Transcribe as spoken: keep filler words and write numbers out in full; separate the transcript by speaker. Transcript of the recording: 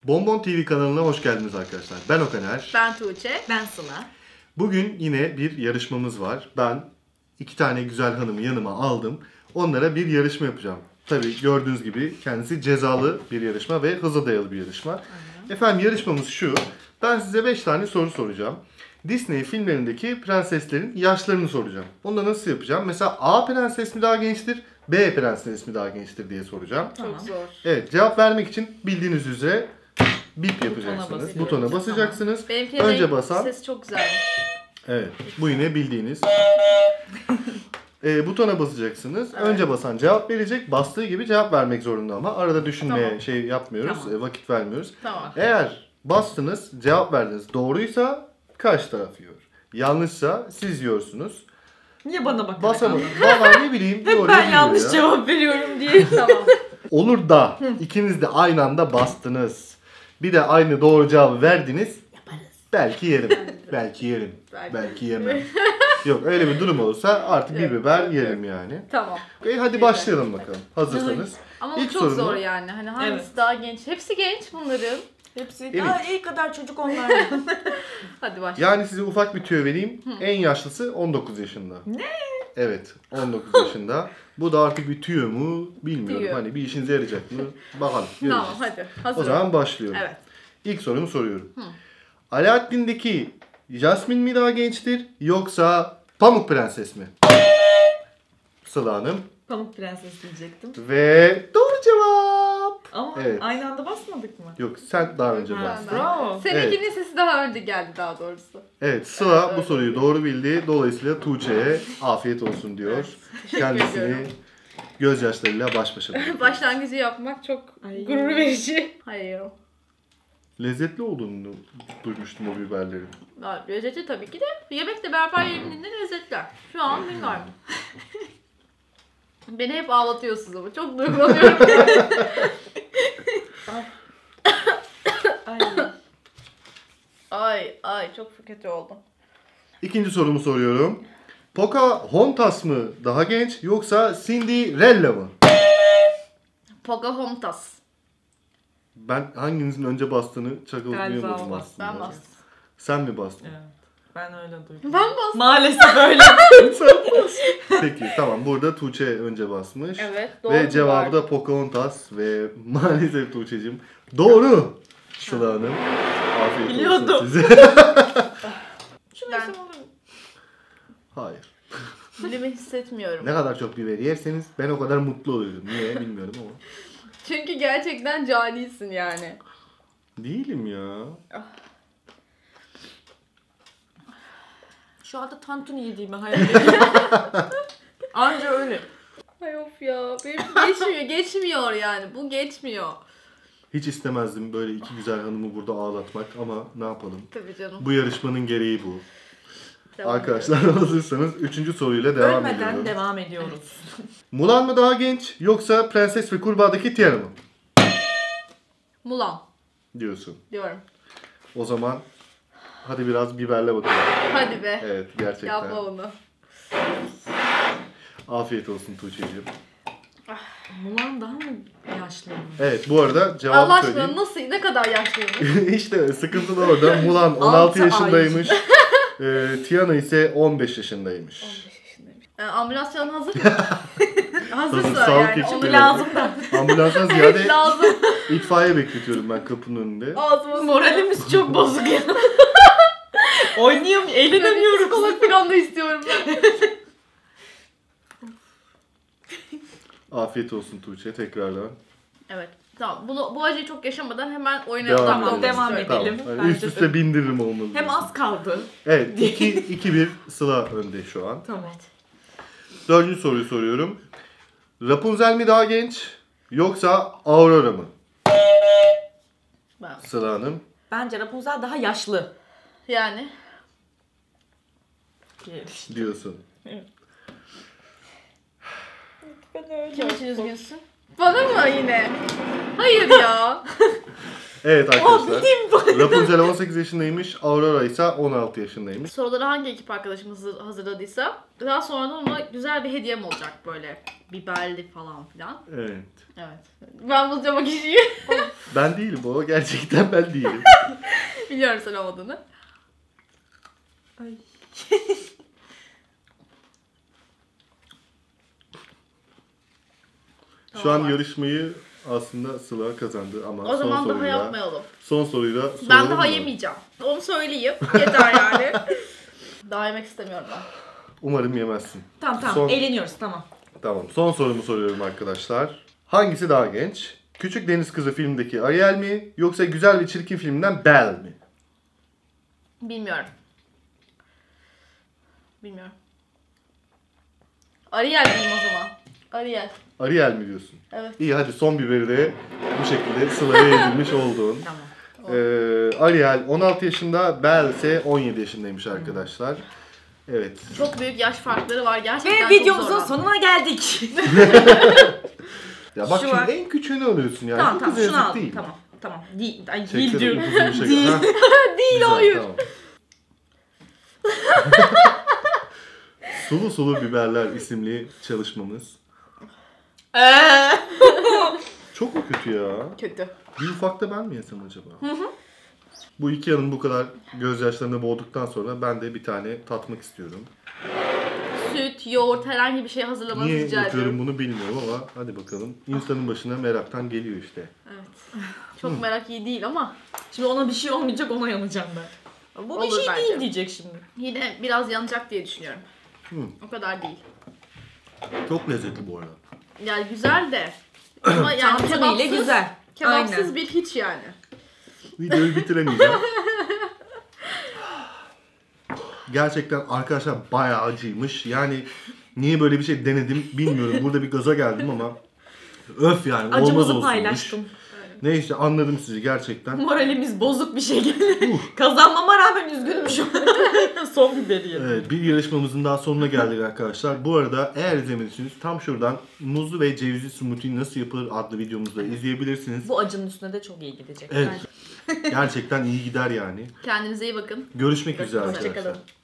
Speaker 1: Bonbon T V kanalına hoş geldiniz arkadaşlar. Ben Okaner.
Speaker 2: Ben Tuğçe.
Speaker 3: Ben Sıla.
Speaker 1: Bugün yine bir yarışmamız var. Ben iki tane güzel hanımı yanıma aldım. Onlara bir yarışma yapacağım. Tabii gördüğünüz gibi kendisi cezalı bir yarışma ve hıza dayalı bir yarışma. Hı-hı. Efendim yarışmamız şu. Ben size beş tane soru soracağım. Disney filmlerindeki prenseslerin yaşlarını soracağım. Onu da nasıl yapacağım? Mesela A prenses mi daha gençtir, B prenses mi daha gençtir diye soracağım.
Speaker 2: Çok
Speaker 3: Tamam.
Speaker 2: zor.
Speaker 1: Evet, cevap vermek için bildiğiniz üzere bip yapacaksınız. Butona, Butona basacaksınız.
Speaker 2: Tamam. Benimki
Speaker 1: Önce basan.
Speaker 2: Ses çok güzelmiş.
Speaker 1: Evet, bu yine bildiğiniz. e, butona basacaksınız.
Speaker 2: Evet.
Speaker 1: Önce basan cevap verecek. Bastığı gibi cevap vermek zorunda ama arada düşünmeye
Speaker 2: Tamam.
Speaker 1: şey yapmıyoruz.
Speaker 3: Tamam.
Speaker 1: e, vakit vermiyoruz.
Speaker 2: Tamam.
Speaker 1: Eğer bastınız, cevap verdiniz. Doğruysa karşı taraf yiyor. Yanlışsa siz yiyorsunuz.
Speaker 3: Niye bana bakarak
Speaker 1: Basamadım.
Speaker 3: anladın?
Speaker 1: Valla ne bileyim.
Speaker 3: Hep
Speaker 1: doğruyu
Speaker 3: ben
Speaker 1: biliyor
Speaker 3: yanlış
Speaker 1: ya.
Speaker 3: cevap veriyorum diye.
Speaker 2: Tamam.
Speaker 1: Olur da ikiniz de aynı anda bastınız. Bir de aynı doğru cevabı verdiniz.
Speaker 3: Yaparız.
Speaker 1: Belki yerim. Belki yerim.
Speaker 2: Belki.
Speaker 1: Belki yemem. Yok öyle bir durum olursa artık bir
Speaker 2: Yok,
Speaker 1: biber
Speaker 2: yok,
Speaker 1: yerim yani.
Speaker 2: Tamam.
Speaker 1: E, hadi başlayalım bakalım. Hazırsanız.
Speaker 2: Ama bu
Speaker 1: İlk
Speaker 2: çok
Speaker 1: sorumu-
Speaker 2: zor yani. Hani hangisi
Speaker 3: Evet.
Speaker 2: daha genç? Hepsi genç bunların.
Speaker 3: Hepsi
Speaker 1: Evet.
Speaker 3: daha iyi kadar çocuk onlardan.
Speaker 2: Hadi başla.
Speaker 1: Yani size ufak bir tüyo vereyim. En yaşlısı on dokuz yaşında.
Speaker 3: Ne?
Speaker 1: Evet, on dokuz yaşında. Bu da artık bir tüyo mu bilmiyorum.
Speaker 2: Tüyo.
Speaker 1: Hani bir işinize yarayacak mı? Bakalım. Göreceğiz.
Speaker 2: Tamam hadi. Hazır.
Speaker 1: O zaman başlıyorum.
Speaker 2: Evet.
Speaker 1: İlk sorumu soruyorum. Alaaddin'deki Jasmine mi daha gençtir yoksa Pamuk Prenses mi? Sıla Hanım.
Speaker 3: Pamuk Prenses diyecektim.
Speaker 1: Ve doğru cevap.
Speaker 3: Ama
Speaker 1: Evet.
Speaker 3: aynı anda basmadık mı?
Speaker 1: Yok sen daha önce
Speaker 3: Ha,
Speaker 1: bastın.
Speaker 3: bravo.
Speaker 2: Seninkinin sesi daha önce geldi daha doğrusu.
Speaker 1: Evet Sıla
Speaker 2: Evet,
Speaker 1: bu
Speaker 2: öyle.
Speaker 1: soruyu doğru bildi. Dolayısıyla Tuğçe'ye afiyet olsun diyor. Kendisini
Speaker 2: ediyorum.
Speaker 1: gözyaşlarıyla baş başa bırakıyor.
Speaker 2: Başlangıcı yapmak çok
Speaker 3: Ay.
Speaker 2: gurur verici. Hayır.
Speaker 1: Lezzetli olduğunu duymuştum o biberlerin.
Speaker 2: Ya, lezzeti tabii ki de. Yemekle beraber yenildiğinde lezzetler. Şu an bilmiyorum. Beni hep ağlatıyorsunuz ama çok duygulanıyorum.
Speaker 3: Ay.
Speaker 2: ay ay çok kötü oldum.
Speaker 1: İkinci sorumu soruyorum. Pocahontas mı daha genç yoksa Cinderella mı?
Speaker 2: Pocahontas.
Speaker 1: Ben hanginizin önce bastığını
Speaker 3: Galiba
Speaker 1: çakalayamadım
Speaker 3: o
Speaker 1: aslında.
Speaker 3: bastı.
Speaker 2: Ben bastım.
Speaker 1: Sen mi bastın?
Speaker 3: Evet. Ben öyle duydum.
Speaker 2: Ben bastım.
Speaker 3: Maalesef öyle.
Speaker 1: Peki tamam burada Tuğçe önce basmış.
Speaker 2: Evet doğru.
Speaker 1: Ve cevabı da Pocahontas ve maalesef Tuğçe'cim doğru. Sıla Hanım. Afiyet olsun
Speaker 3: Biliyordum.
Speaker 1: size.
Speaker 3: Şunu
Speaker 2: Ben-
Speaker 3: ben... olur.
Speaker 1: Hayır.
Speaker 2: Dilimi hissetmiyorum.
Speaker 1: Ne kadar çok biber yerseniz ben o kadar mutlu oluyorum. Niye bilmiyorum ama.
Speaker 2: Çünkü gerçekten canisin yani.
Speaker 1: Değilim ya.
Speaker 3: Şu anda tantuni yediğimi hayal ediyorum. Anca öyle.
Speaker 2: Ay of ya. Benim geçmiyor. Geçmiyor yani. Bu geçmiyor.
Speaker 1: Hiç istemezdim böyle iki güzel hanımı burada ağlatmak ama ne yapalım.
Speaker 2: Tabii canım.
Speaker 1: Bu yarışmanın gereği bu.
Speaker 2: Devam
Speaker 1: Arkadaşlar hazırsanız üçüncü soruyla devam
Speaker 3: Ölmeden
Speaker 1: ediyorum.
Speaker 3: devam ediyoruz.
Speaker 1: Mulan mı daha genç yoksa Prenses ve Kurbağa'daki Tiana mı?
Speaker 2: Mulan
Speaker 1: Diyorsun.
Speaker 2: diyorum.
Speaker 1: O zaman hadi biraz biberle bakalım.
Speaker 2: Hadi be.
Speaker 1: Evet gerçekten.
Speaker 2: Yapma onu.
Speaker 1: Afiyet olsun Tuğçe'ciğim.
Speaker 3: Mulan daha mı yaşlı?
Speaker 1: Evet bu arada cevabı
Speaker 2: Allah aşkına
Speaker 1: söyleyeyim.
Speaker 2: nasıl, ne kadar yaşlıyım?
Speaker 1: İşte sıkıntı da orada. Mulan on altı
Speaker 3: Altı ay.
Speaker 1: yaşındaymış. e, Tiana ise on beş yaşındaymış.
Speaker 2: on beş yaşındayım. Ee, ambulans çağın hazır mı?
Speaker 1: Hazır,
Speaker 2: Hazırsa
Speaker 1: sağlık
Speaker 2: yani.
Speaker 1: ekipleri.
Speaker 2: Onu
Speaker 3: Lazım da.
Speaker 1: Ambulanstan
Speaker 2: Evet
Speaker 1: ziyade
Speaker 2: lazım.
Speaker 1: itfaiye bekletiyorum ben kapının önünde.
Speaker 2: Ağzıma
Speaker 3: Moralimiz çok bozuk ya. Oynayamıyorum, eğlenemiyorum.
Speaker 2: Psikolog falan da istiyorum ben.
Speaker 1: Afiyet olsun Tuğçe tekrardan.
Speaker 2: Evet. Tamam. Bunu, bu acıyı çok yaşamadan hemen oyuna
Speaker 1: Devam
Speaker 2: odaklanmak
Speaker 1: edelim.
Speaker 3: devam
Speaker 2: istiyorum.
Speaker 3: edelim.
Speaker 1: Tamam. Hani üst
Speaker 3: Bence
Speaker 1: üste
Speaker 3: de.
Speaker 1: bindiririm olmalı.
Speaker 3: Hem az kaldı.
Speaker 1: Evet iki bir Sıla önde şu an.
Speaker 3: Tamam.
Speaker 1: Dördüncü soruyu soruyorum. Rapunzel mi daha genç yoksa Aurora mı?
Speaker 2: Ben-
Speaker 1: Sıla Hanım.
Speaker 3: Bence Rapunzel daha yaşlı.
Speaker 2: Yani.
Speaker 1: Diyorsun.
Speaker 3: Ben öyle.
Speaker 2: Kim için üzgünsün? Bana mı yine? Hayır ya.
Speaker 1: Evet
Speaker 3: Oh
Speaker 1: arkadaşlar.
Speaker 3: bildiğim bu.
Speaker 1: Rapunzel on sekiz yaşındaymış, Aurora ise on altı yaşındaymış.
Speaker 2: Soruları hangi ekip arkadaşımız hazır- hazırladıysa daha sonra da ona güzel bir hediyem olacak böyle. Biberli falan filan.
Speaker 1: Evet.
Speaker 2: Evet. Ben bulacağım o kişiyi.
Speaker 1: Ben değilim o, gerçekten ben değilim.
Speaker 2: Biliyorum sen olmadığını.
Speaker 3: Ay.
Speaker 1: Şu an
Speaker 2: Tamam.
Speaker 1: yarışmayı aslında Sıla kazandı ama
Speaker 2: O
Speaker 1: son
Speaker 2: zaman daha
Speaker 1: soruyla
Speaker 2: yapmayalım.
Speaker 1: son soruyla
Speaker 2: Ben
Speaker 1: soralım
Speaker 2: daha
Speaker 1: mı?
Speaker 2: yemeyeceğim. Onu söyleyeyim. Yeter yani. Daha yemek istemiyorum ben.
Speaker 1: Umarım yemezsin.
Speaker 3: Tamam tamam
Speaker 1: Son-
Speaker 3: eğleniyoruz tamam.
Speaker 1: Tamam. Son sorumu soruyorum arkadaşlar. Hangisi daha genç? Küçük Deniz Kızı filmdeki Ariel mi yoksa Güzel ve Çirkin filminden Belle mi?
Speaker 2: Bilmiyorum. Bilmiyorum. Ariel diyeyim o zaman. Ariel.
Speaker 1: Ariel mi diyorsun?
Speaker 2: Evet.
Speaker 1: İyi hadi son biberi de bu şekilde Sıla'ya edilmiş oldun.
Speaker 3: Tamam.
Speaker 1: Ee, Ariel on altı yaşında, Belle ise on yedi yaşındaymış arkadaşlar. Evet.
Speaker 2: Çok büyük yaş farkları var. Gerçekten
Speaker 3: Ve
Speaker 2: çok
Speaker 3: videomuzun
Speaker 2: zorlandım.
Speaker 3: sonuna geldik.
Speaker 1: Ya bak
Speaker 3: Şu
Speaker 1: şimdi
Speaker 3: var.
Speaker 1: en küçüğünü alıyorsun yani.
Speaker 3: tamam
Speaker 1: Bu
Speaker 3: tamam
Speaker 1: kız
Speaker 3: şunu
Speaker 1: yazık
Speaker 3: aldım
Speaker 1: değil.
Speaker 3: tamam. Tamam. Değil, ay,
Speaker 1: Çektim
Speaker 3: değil diyorum.
Speaker 1: uzun bir şekilde.
Speaker 3: Değil.
Speaker 1: Ha,
Speaker 2: Değil
Speaker 1: güzel,
Speaker 2: hayır.
Speaker 1: tamam. Sulu Sulu Biberler isimli çalışmamız.
Speaker 3: Eee.
Speaker 1: Çok mu kötü ya?
Speaker 2: Kötü.
Speaker 1: Bir ufakta ben mi yesem acaba? Bu iki yanım bu kadar gözyaşlarına boğduktan sonra ben de bir tane tatmak istiyorum.
Speaker 2: Süt, yoğurt herhangi bir şey hazırlamanızı
Speaker 1: Niye
Speaker 2: rica
Speaker 1: yapıyorum
Speaker 2: ediyorum.
Speaker 1: bunu bilmiyorum ama hadi bakalım. İnsanın başına meraktan geliyor işte.
Speaker 2: Evet. Çok merak iyi değil ama
Speaker 3: Şimdi ona bir şey olmayacak ona yanacağım ben. Bu bir
Speaker 2: Olur
Speaker 3: şey
Speaker 2: bence.
Speaker 3: değil diyecek şimdi.
Speaker 2: yine biraz yanacak diye düşünüyorum.
Speaker 1: Hı.
Speaker 2: O kadar değil.
Speaker 1: Çok lezzetli bu arada.
Speaker 2: Yani güzel de. Ama yani
Speaker 3: Tantunuyla
Speaker 2: kebapsız,
Speaker 3: güzel.
Speaker 2: kebapsız
Speaker 3: Aynen.
Speaker 2: bir hiç yani.
Speaker 1: Videoyu bitiremeyeceğim. Gerçekten arkadaşlar bayağı acıymış. Yani niye böyle bir şey denedim bilmiyorum. Burada bir gaza geldim ama öf yani olmaz
Speaker 3: Acımızı
Speaker 1: olsunmuş.
Speaker 3: paylaştım.
Speaker 1: Neyse anladım sizi gerçekten.
Speaker 3: Moralimiz bozuk bir şey geldi. Kazanmama rağmen üzgünüm şu an. Son biberi yedim.
Speaker 1: Evet, bir yarışmamızın daha sonuna geldik arkadaşlar. Bu arada eğer izlemediyseniz tam şuradan muzlu ve cevizli smoothie nasıl yapılır adlı videomuzda izleyebilirsiniz.
Speaker 3: Bu acının üstüne de çok iyi gidecek.
Speaker 1: Evet. Gerçekten iyi gider yani.
Speaker 2: Kendinize iyi bakın.
Speaker 1: Görüşmek üzere
Speaker 2: Hoşça
Speaker 1: arkadaşlar.
Speaker 2: kalın.